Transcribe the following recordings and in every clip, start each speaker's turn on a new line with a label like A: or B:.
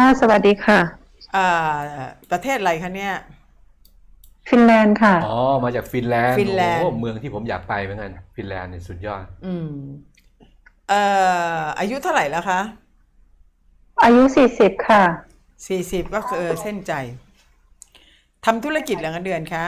A: สวัสดีค่ะ
B: อ่ประเทศอะไรคะเนี่ย
A: ฟินแลนด์ค่ะ
C: อ๋อมาจากฟินแลนด์
B: ฟิน
C: โอ้
B: แลนด์
C: เมืองที่ผมอยากไปเหมือนกันฟินแลนด์เนี่ยสุดยอด
B: อืมเอ่อายุเท่าไหร่แล้วคะ
A: อายุ40ค่ะ
B: 40ก็คือเส้นใจทำธุรกิจหรือเงินเดือนคะ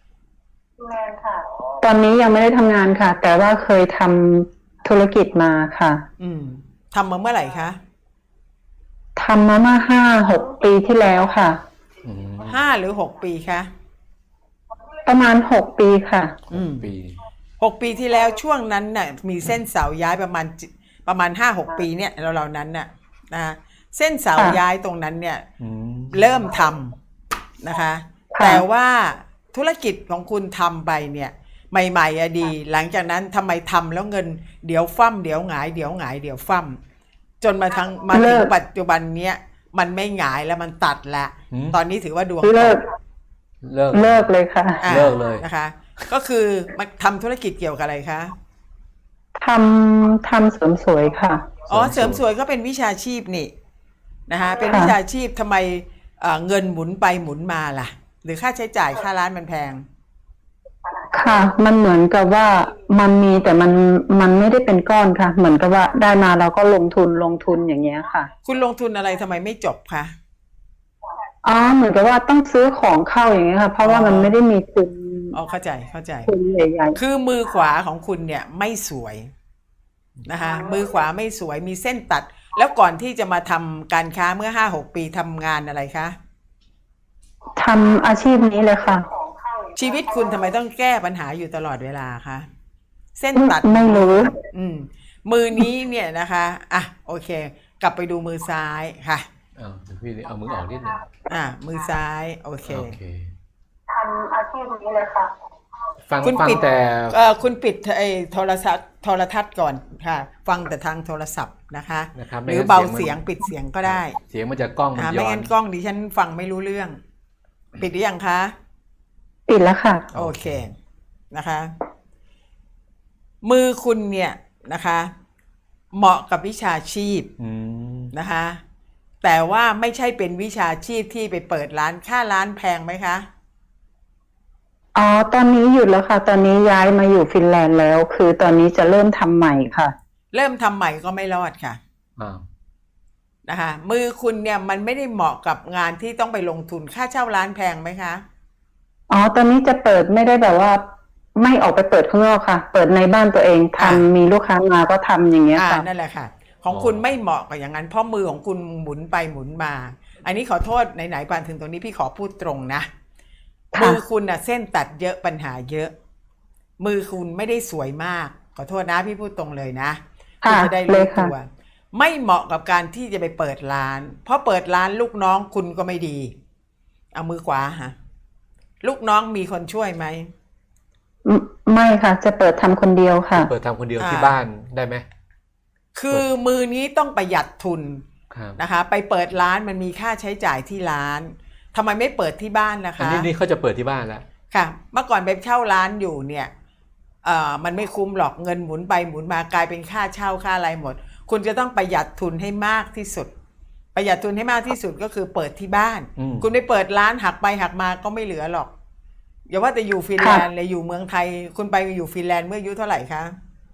A: ตอนนี้ยังไม่ได้ทำงานค่ะแต่ว่าเคยทำธุรกิจมาค่ะ
B: อืมทำมาเมื่อไหร่คะ
A: ทำมาเมื่อ5-6 ปีที่แล้วค่ะ
C: อืม
B: 5 หรือ 6 ปีคะ
A: ประมาณ6 ปีค่ะ
C: ปี
B: 6 ปีที่แล้วช่วงนั้นน่ะมีเส้นเสาย้ายประมาณ5-6 ปีเนี่ยเรานั้นน่ะนะเส้นเสา
A: ค่ะ
B: ย้ายตรงนั้นเนี่ย
C: อืม
B: เริ่มทำนะคะ
A: ค่ะ
B: แต่ว่าธุรกิจของคุณทำไปเนี่ยใหม่ๆอะดีหลังจากนั้นทำไมทำแล้วเงินเดี๋ยวฟั่มเดี๋ยวหงายเดี๋ยวหงายเดี๋ยวฟั่มจนมาถึง
A: เลิก
B: ปัจจุบันเนี้ยมันไม่หงายแล้วมันตัดละ
C: อืม
B: ตอนนี้ถือว่าดวงต
A: เลิก
B: ก
C: เลิก
A: เลิกเลยค่ะ
B: อ่า
C: เลิกเลย
B: นะคะก็คือมันทำธุรกิจเกี่ยวกับอะไรคะ
A: ทำเสริมสวยค่ะ
B: อ๋อเสริมสวยก็เป็นวิชาชีพนี่นะคะเป็นวิ
A: ค่ะ
B: ชาชีพทำไมเงินหมุนไปหมุนมาล่ะหรือค่าใช้จ่ายค่าร้านมันแพง
A: ค่ะมันเหมือนกับว่ามันมีแต่มันไม่ได้เป็นก้อนค่ะเหมือนกับว่าได้มาเราก็ลงทุนอย่างเงี้ยค่ะ
B: คุณลงทุนอะไรทำไมไม่จบคะ
A: อ๋อเหมือนกับว่าต้องซื้อของเข้าอย่างเงี้ยค่ะเพราะ
B: อ๋อ
A: ว่ามันไม่ได้มีทุน
B: อ๋อเข้าใจ
A: ทุนใหญ่
B: คือมือขวาของคุณเนี่ยไม่สวยนะคะมือขวาไม่สวยมีเส้นตัดแล้วก่อนที่จะมาทำการค้าเมื่อ5-6 ปีทำงานอะไรคะ
A: ๆทำอาชีพนี้เลยค่ะ
B: ชีวิตคุณทำไมต้องแก้ปัญหาอยู่ตลอดเวลาคะเส้นตัด
A: ไม่รู้
B: อืมมือนี้เนี่ยนะคะอ่ะโอเคกลับไปดูมือซ้ายค่ะ
C: เอาพี่เอามือออกนิดหนึง
B: มือซ้ายโอเค
C: โอเค
A: ทำอาชีพนี้เลยค่ะ
C: ฟัง
B: คุณปิด
C: แต่
B: คุณปิดไอ้โทรทัศน์ก่อนค่ะฟังแต่ทางโทรศัพท์นะคะ
C: นะครับ
B: หรือเบาเสียงปิดเสียงก็ได้
C: เสียงมันจะกล้องมันย้
B: ไม่
C: อน
B: งั้นกล้องดิฉันฟังไม่รู้เรื่องปิดหรือยังคะ
A: ปิดแล้วค่ะ
B: โอเคนะคะมือคุณเนี่ยนะคะเหมาะกับวิชาชีพ
C: อืม
B: นะคะแต่ว่าไม่ใช่เป็นวิชาชีพที่ไปเปิดร้านค่าร้านแพงไหมคะ
A: อ๋อตอนนี้หยุดแล้วค่ะตอนนี้ย้ายมาอยู่ฟินแลนด์แล้วคือตอนนี้จะเริ่มทำใหม่ค่ะ
B: เริ่มทำใหม่ก็ไม่รอดค่ะ
C: อ้าว
B: นะคะมือคุณเนี่ยมันไม่ได้เหมาะกับงานที่ต้องไปลงทุนค่าเช่าร้านแพงไหมคะ
A: อ๋อตอนนี้จะเปิดไม่ได้แบบว่าไม่ออกไปเปิดข้างนอกค่ะเปิดในบ้านตัวเองทำมีลูกค้ามาก็ทำอย่างเงี้ยค่ะ
B: นั่นแหละค่ะของคุณไม่เหมาะกับอย่างนั้นเพราะมือของคุณหมุนไปหมุนมาอันนี้ขอโทษไหนๆปานถึงตรงนี้พี่ขอพูดตรงนะมือคุณน่ะเส้นตัดเยอะปัญหาเยอะมือคุณไม่ได้สวยมากขอโทษนะพี่พูดตรงเลยนะคุณจะได้รู้ตัวไม่เหมาะกับการที่จะไปเปิดร้านเพราะเปิดร้านลูกน้องคุณก็ไม่ดีเอามือขวาฮะลูกน้องมีคนช่วยไหม
A: ไม่ค่ะจะเปิดทำคนเดียวค่ะ
C: เปิดทำคนเดียวที่บ้านได้ไหม
B: คือมือนี้ต้องประหยัดทุน
C: ครับ
B: นะคะไปเปิดร้านมันมีค่าใช้จ่ายที่ร้านทำไมไม่เปิดที่บ้านนะ
C: อัน
B: คะ
C: นี้เขาจะเปิดที่บ้านแล้ว
B: ค่ะเมื่อก่อนไปเช่าร้านอยู่เนี่ยมันไม่คุ้มหรอกเงินหมุนไปหมุนมากลายเป็นค่าเช่าค่าอะไรหมดคุณจะต้องประหยัดทุนให้มากที่สุดประหยัดทุนให้มากที่สุดก็คือเปิดที่บ้านคุณไปเปิดร้านหักไปหักมาก็ไม่เหลือหรอกอย่าว่าแต่อยู่ฟินแลนด์เลยอยู่เมืองไทยคุณไปอยู่ฟินแลนด์เมื่ออายุเท่าไหร่คะ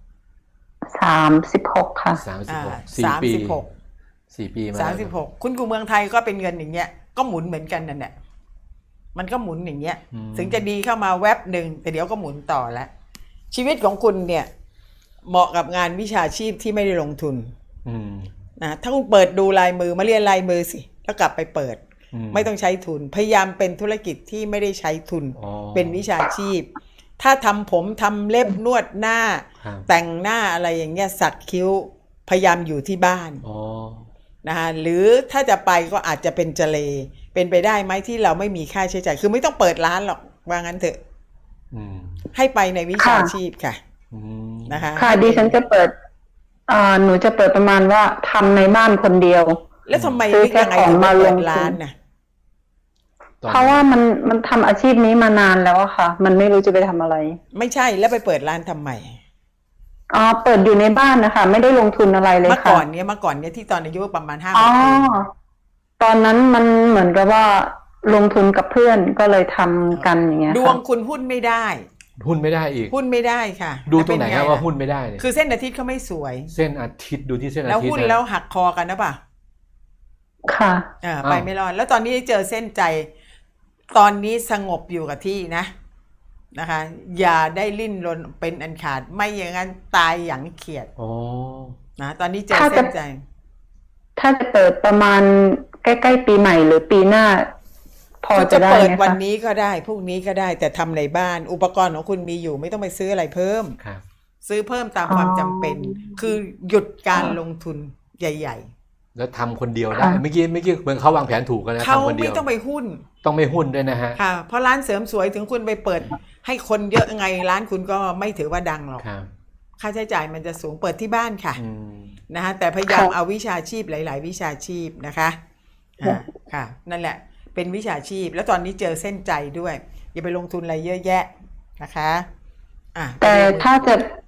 A: 36ค่ะ
B: 36
C: 4 ปีมา
B: 36คุณอยู่เมืองไทยก็เป็นเงินอย่างเงี้ยก็หมุนเหมือนกันนั่นแหละมันก็หมุนอย่างเงี้ยถึงจะดีเข้ามาแวบหนึ่งแต่เดี๋ยวก็หมุนต่อแล้วชีวิตของคุณเนี่ยเหมาะกับงานวิชาชีพที่ไม่ได้ลงทุนนะถ้าคุณเปิดดูลายมือมาเรียนลายมือสิแล้วกลับไปเปิดไม่ต้องใช้ทุนพยายามเป็นธุรกิจที่ไม่ได้ใช้ทุนเป็นวิชาชีพถ้าทำผมทำเล็บนวดหน้าแต่งหน้าอะไรอย่างเงี้ยสักคิ้วพยายามอยู่ที่บ้านนะคะหรือถ้าจะไปก็อาจจะเป็นเจเลเป็นไปได้ไหมที่เราไม่มีค่าใช้จ่ายคือไม่ต้องเปิดร้านหรอกว่างั้นเถอะให้ไปในวิชาชีพค่ะนะคะ
A: ค่ะดิฉันจะเปิดหนูจะเปิดประมาณว่าทำในบ้านคนเดียว
B: แล้วทำไมนึกยังไงถึงมาเปิดร้านน่ะ
A: เพราะว่ามันทำอาชีพนี้มานานแล้วอะค่ะมันไม่รู้จะไปทำอะไร
B: ไม่ใช่แล้วไปเปิดร้านทำไม
A: เปิดอยู่ในบ้านนะคะไม่ได้ลงทุนอะไรเลยค่ะ
B: เมื่อก่อนเนี้ยที่ตอนอายุประมาณ5 ปี
A: ตอนนั้นมันเหมือนกับว่าลงทุนกับเพื่อนก็เลยทำกันอย่างเงี้ย
B: ดวง
A: ค่ะ
B: คุณหุ้นไม่ได้
C: หุ้นไม่ได้อีก
B: หุ้นไม่ได้ค่ะ
C: ดูตรงไหน
B: แล้ว
C: ค
B: เป็
C: รับ
B: ง
C: ว่า
B: ล่ะ
C: หุ้นไม่ได้เนี่ย
B: คือเส้นอาทิตย์เขาไม่สวย
C: เส้นอาทิตย์ดูที่เส้นอา
B: แล้ว
C: ทิตย์
B: หุ้น
C: นะ
B: แล้วหักคอกันนะป่ะ
A: ค่ะ
B: ไปไม่รอดแล้วตอนนี้เจอเส้นใจ ตอนนี้สงบอยู่กับที่นะคะ อย่าได้ลิ้นรนเป็นอันขาดไม่อย่างนั้นตายอย่างเขียด
C: โอ้
B: นะตอนนี้เจอเส้นใจ
A: ถ้าจะเปิดประมาณใกล้ๆปีใหม่หรือปีหน้า พอ
B: คุณ
A: จะ
B: จะ
A: ได้
B: เปิด
A: ไหม
B: วัน
A: คะ
B: นี้ก็ได้พรุ่งนี้ก็ได้ แต่ทำในบ้าน อุปกรณ์ของคุณมีอยู่ไม่ต้องไปซื้ออะไรเพิ่ม
C: ครับ
B: ซื้อเพิ่มตามความจำเป็น คือหยุดการลงทุนใหญ่
C: แล้วทำคนเดียวได้เมื่อกี้เหมือนเขาวางแผนถูกกัน
B: ๆ
C: นะ
B: เขา
C: ทำคนเดี
B: ไม่
C: ยว
B: ต้องไปหุ้น
C: ต้องไม่หุ้นด้วยนะฮะ
B: ค่ะ เพราะร้านเสริมสวยถึงคุณไปเปิด ให้คนเยอะไงร้านคุณก็ไม่ถือว่าดังหรอก
C: ครับ
B: ค่าใช้จ่ายมันจะสูงเปิดที่บ้านค่ะ
C: อืม
B: นะฮะแต่พยายามเอาวิชาชีพหลาย ๆ วิชาชีพนะคะค่ะ นั่นแหละ เป็นวิชาชีพ แล้วตอนนี้เจอเส้นใจด้วย อย่าไปลงทุนอะไรเยอะแยะนะคะ
A: แต่ถ้าจะ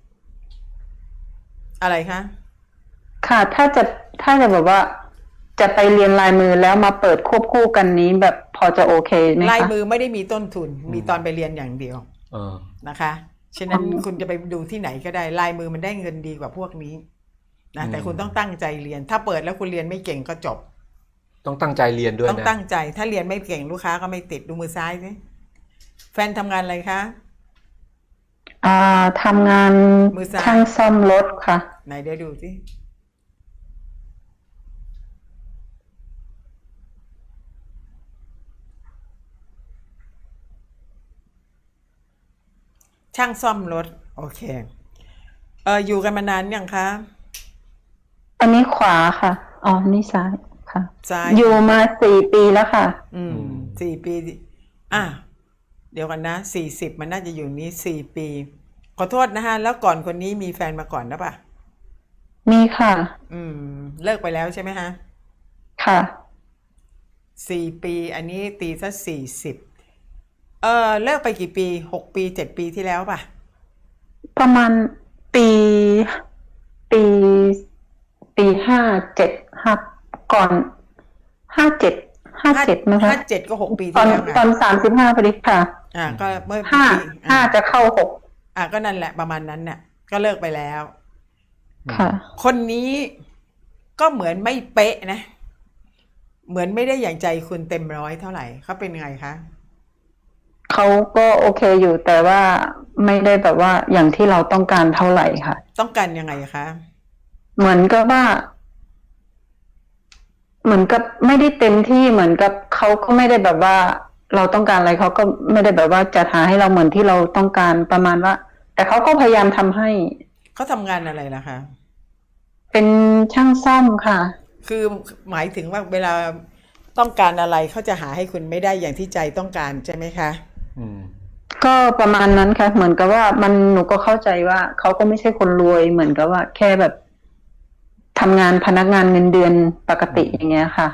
B: อะไรคะ
A: ค่ะ ถ้าจะแบบว่า จะไปเรียนลายมือแล้วมาเปิดควบคู่กันนี้แบบพอจะโอเคไหมคะ
B: ลายมือไม่ได้มีต้นทุน มีตอนไปเรียนอย่างเดียว นะคะฉะนั้นคุณจะไปดูที่ไหนก็ได้ลายมือมันได้เงินดีกว่าพวกนี้นะแต่คุณต้องตั้งใจเรียน ถ้าเปิดแล้วคุณเรียนไม่เก่งก็จบ
C: ต้องตั้งใจเรียนด้วยนะ
B: ต้องตั้งใจถ้าเรียนไม่เก่งลูกค้าก็ไม่ติดดูมือซ้ายสิแฟนทำงานอะไรคะ
A: ทำงาน
B: มือซ้าย
A: ช่างซ่อมรถค่ะ
B: ไหนเดี๋ยวดูสิช่างซ่อมรถโอเคอยู่กันมานานยังคะ
A: อันนี้ขวาค่ะอ๋อนี่ซ้ายค่ะ
B: ซ้าย
A: อยู่มา4 ปีแล้วค่ะ
B: 4 ปีเดี๋ยวกันนะ40มันน่าจะอยู่นี้4 ปีขอโทษนะฮะแล้วก่อนคนนี้มีแฟนมาก่อนนะป่ะ
A: มีค่ะ
B: เลิกไปแล้วใช่ไหมฮะ
A: ค่ะ
B: 4 ปีอันนี้ตีซะ40เลิกไปกี่ปี6 ปี7 ปีที่แล้วป่ะ
A: ประมาณปี57ก่อน57นะคะ
B: 57ก็6 ปี
A: ตอ
B: ที่
A: น
B: แล้วไง
A: ตอน35พอดีค่ะ
B: ก็เมื่อ
A: ห้า
B: ปี
A: ห้าจะเข้า6
B: ก็นั่นแหละประมาณนั้นน่ะก็เลิกไปแล้ว
A: ค่ะ
B: คนนี้ก็เหมือนไม่เป๊ะนะ เหมือนไม่ได้อย่างใจคุณเต็มร้อยเท่าไหร่เขาเป็นไงคะ
A: เขาก็โอเคอยู่แต่ว่าไม่ได้แบบว่าอย่างที่เราต้องการเท่าไหร่ค่ะ
B: ต้องการยังไงคะ
A: เหมือนกับว่า เหมือนกับไม่ได้เต็มที่เหมือนกับเขาก็ไม่ได้แบบว่า เราต้องการอะไรเขาก็ไม่ได้แบบว่าจัดหาให้เราเหมือนที่เราต้องการประมาณว่า แต่เขาก็พยายามทำให้
B: เขาทำงานอะไรล่ะคะ
A: เป็นช่างซ่อมค่ะ
B: คือหมายถึงว่าเวลาต้องการอะไรเขาจะหาให้คุณไม่ได้อย่างที่ใจต้องการใช่ไหมคะ
A: ก็ประมาณนั้นค่ะ เหมือนกับว่าหนูก็เข้าใจว่าเขาก็ไม่ใช่คนรวยเหมือนกับว่า แค่แบบทำงานพนักงานเงินเดือนปกติอย่างเงี้ยค่ะ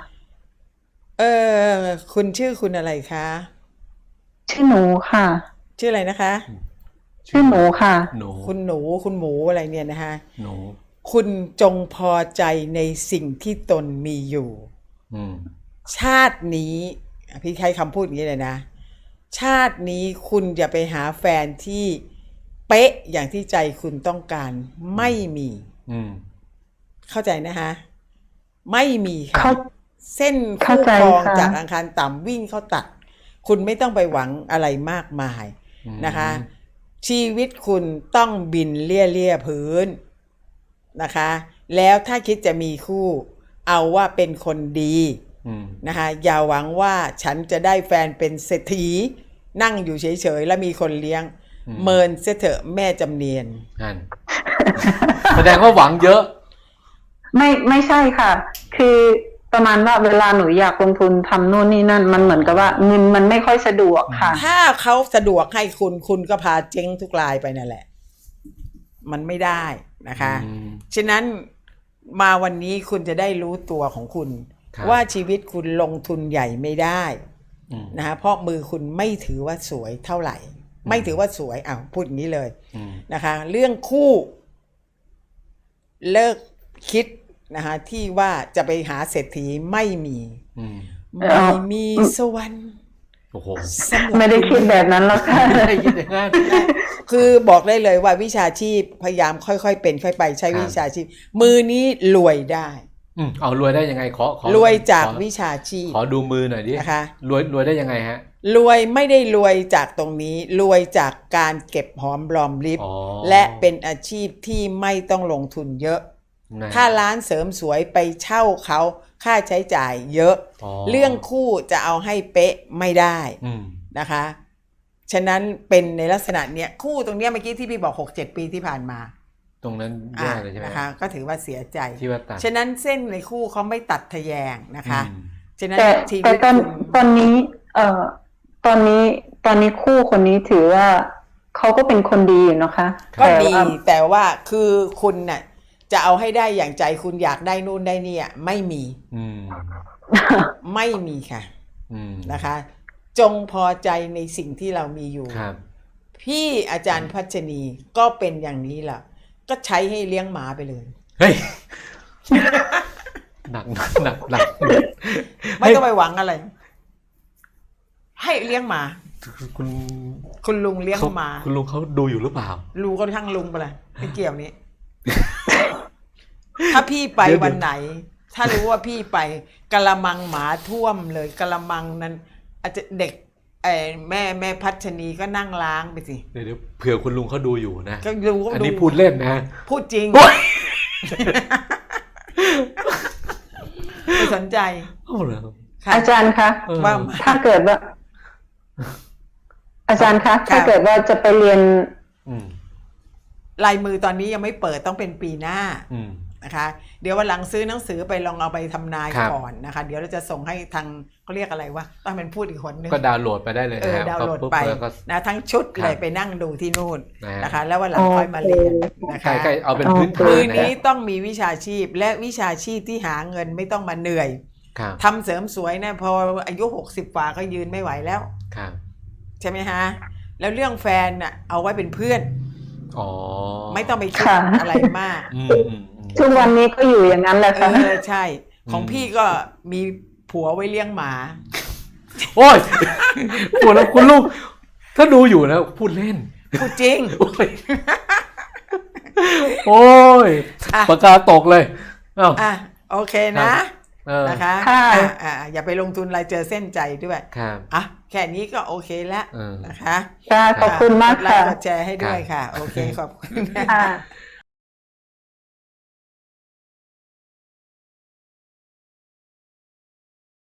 B: คุณชื่อคุณอะไรคะ
A: ชื่อหนูค่ะ
B: ชื่ออะไรนะคะ
A: ชื่อหนูค่ะ
C: หนู
B: คุณหนูคุณหมูอะไรเนี่ยนะคะ
C: หนู
B: คุณจงพอใจในสิ่งที่ตนมีอยู่ ชาตินี้พี่ใช้คำพูดอย่างนี้เลยนะ ชาตินี้คุณอย่าไปหาแฟนที่เป๊ะอย่างที่ใจคุณต้องการไม่มี เข้าใจนะคะไม่มีค่ะเส้นคู่ครองจากอังคารต่ำวิ่งเข้าตัดคุณไม่ต้องไปหวังอะไรมากมายนะคะ ชีวิตคุณต้องบินเลี่ยพื้นนะคะแล้วถ้าคิดจะมีคู่เอาว่าเป็นคนดีนะคะอย่าหวังว่าฉันจะได้แฟนเป็นเศรษฐีนั่งอยู่เฉยๆแล้วมีคนเลี้ยงเมินเสียเถอะแม่จำเนียน
C: นั่น แสดงว่าหวังเยอะ
A: ไม่ใช่ค่ะ คือประมาณว่าเวลาหนูอยากลงทุนทำโน่นนี่นั่นมันเหมือนกับว่าเงินมันไม่ค่อยสะดวกค่ะ
B: ถ้าเขาสะดวกให้คุณก็พาเจ๊งทุกรายไปนั่นแหละมันไม่ได้นะคะฉะนั้นมาวันนี้คุณจะได้รู้ตัวของคุณว่าชีวิตคุณลงทุนใหญ่ไม่ได้นะคะเพราะมือคุณไม่ถือว่าสวยเท่าไหร่ไม่ถือว่าสวยพูดอย่างนี้เลยนะคะเรื่องคู่เลิกคิดนะคะที่ว่าจะไปหาเศรษฐีไม่มี
C: อืม
B: ไม่มีสวรรค์
C: โอ้โห
B: สำหรับ
A: ไม่ได้คิดแบบนั้นหรอกค่ะ
C: ไม่ได้ยินอย่างนั้น
B: คือบอกได้เลยว่าวิชาชีพพยายามค่อยๆเป็นค่อยไปใช้
C: ครับ
B: วิชาชีพมือนี้รวยได้
C: เอารวยได้ยังไงขอ
B: รวยจาก
C: ขอ
B: วิชาชีพ
C: ขอดูมือหน่อยดิ
B: นะคะ
C: รวยได้ยังไงฮะ
B: รวยไม่ได้รวยจากตรงนี้รวยจากการเก็บหอมรอมริบ
C: อ๋อ
B: และเป็นอาชีพที่ไม่ต้องลงทุนเยอะ
C: นะ
B: ถ้าร้านเสริมสวยไปเช่าเขาค่าใช้จ่ายเยอะ
C: อ๋อ
B: เรื่องคู่จะเอาให้เป๊ะไม่ได้
C: อืม
B: นะคะ ฉะนั้นเป็นในลักษณะเนี้ยคู่ตรงเนี้ยเมื่อกี้ที่พี่บอก 6-7 ปีที่ผ่านมา
C: ตรงนั้นแย่เลยใช่ไหม
B: นะคะก็ถือว่าเสียใจ
C: ที่ว่าตัด
B: ฉะนั้นเส้นในคู่เขาไม่ตัดทะแยงนะคะ
C: อืม
B: ฉะนั้น
A: แต่
B: ชี
A: แต่
B: วิต
A: ตอนนี้ตอนนี้คู่คนนี้ถือว่าเขาก็เป็นคนดีอยู่นะคะ
B: ก็
A: แต่
B: ดี
A: ว่า
B: แต่ว่าคือคุณน่ะจะเอาให้ได้อย่างใจคุณอยากได้นู่นได้นี่อ่ะไม่มี
C: อืม
B: ไม่มีค่ะ
C: อืม
B: นะคะ จงพอใจในสิ่งที่เรามีอยู่
C: ครับ
B: พี่อาจารย์พัชนีก็เป็นอย่างนี้แหละก็ใช้ให้เลี้ยงหมาไปเลย
C: เฮ้ย หนัก
B: ไม่ต้องไปหวังอะไร ให้เลี้ยงหมา
C: คุณ
B: คุณลุงเลี้ยงหมา
C: คุณลุงเขาดูอยู่หรือเปล่า
B: ลุงก็ทั้งลุงไปเลยไม่เกี่ยวนี้ ถ้าพี่ไป
C: เดี๋ยว
B: วันไหน ถ้ารู้ว่าพี่ไปกะละมังหมาท่วมเลยกะละมังนั้น อาจจะเด็กแม่พัชนีก็นั่งล้างไปสิ
C: เดี๋ยวเผื่อคุณลุงเขาดูอยู่นะ
B: ก็รู้ก็
C: อัน
B: ดู
C: นี้พูดเล่นนะ
B: พูดจริง
C: โอ๊ย
B: ไม่สนใจ
C: เอาเหรอ
B: ค่ะ
A: อาจารย์คะ
C: เออ
B: ว่า
A: ถ้าเกิดว่า อาจารย์คะ
B: ค่ะ
A: ถ้าเกิดว่าจะไปเรียน
C: อืม
B: ลายมือตอนนี้ยังไม่เปิดต้องเป็นปีหน้า
C: อืม
B: นะคะเดี๋ยววันหลังซื้อหนังสือไปลองเอาไปทำนาย
C: ครับ
B: ก่อนนะคะเดี๋ยวเราจะส่งให้ทางเขาเรียกอะไรวะต้องเป็นพูดอีกคนนึง
C: ก็ดาวน์โหลดไปได้เลยนะฮะ
B: ดาวน์โหลด
C: ก็ปุ๊บ
B: ไป
C: แล้วก็
B: นะทั้งชุด
C: ครับ
B: เลยไปนั่งดูที่นู่น
C: นะฮะ
B: นะคะ แล้ววันหลังค่อยมาเรียนนะ
C: ใกล้
B: คะ
C: ใกล้เอาเป็นพื้นฐา
B: มื
C: น
B: อ
C: นะ
B: นี้
C: ฮะ
B: ต้องมีวิชาชีพและวิชาชีพที่หาเงินไม่ต้องมาเหนื่อย
C: ครับ
B: ทำเสริมสวยนะพออายุ60กว่าก็ยืนไม่ไหวแล้ว
C: ครับ
B: ใช่ไหมฮะแล้วเรื่องแฟนน่ะเอาไว้เป็นเพื่อน
C: อ๋อ
B: ไม่ต้องไปคิด
A: ค่ะ
B: อะไรมาก
C: อืมอืมอืม
A: ทุกวันนี้ก็อยู่อย่างนั้นแหละค่ะ
B: ใช่ ของพี่ก็มีผัวไว้เลี้ยงหมา
C: โอ้ยปวดแล้วคุณลูก ถ้าดูอยู่นะพูดเล่น
B: พูดจริง
C: โอ้ย โอ้ย
B: อ่ะ
C: ปากกาตกเลยเอ้า
B: อ่ะโอเคนะ
C: เออ
B: นะคะ
A: ค่ะ
B: อย่าไปลงทุนอะไรเจอเส้นใจด้วย
C: ครับ
B: อ่ะแค่นี้ก็โอเคแล้ว
C: เออ
B: นะคะ
A: ค่ะขอบคุณมาก
B: กดไล
A: ค่ะ
B: ค์กดแชร์ให้ด้วยค่ะ โอเคขอบคุณ
A: ค่ะ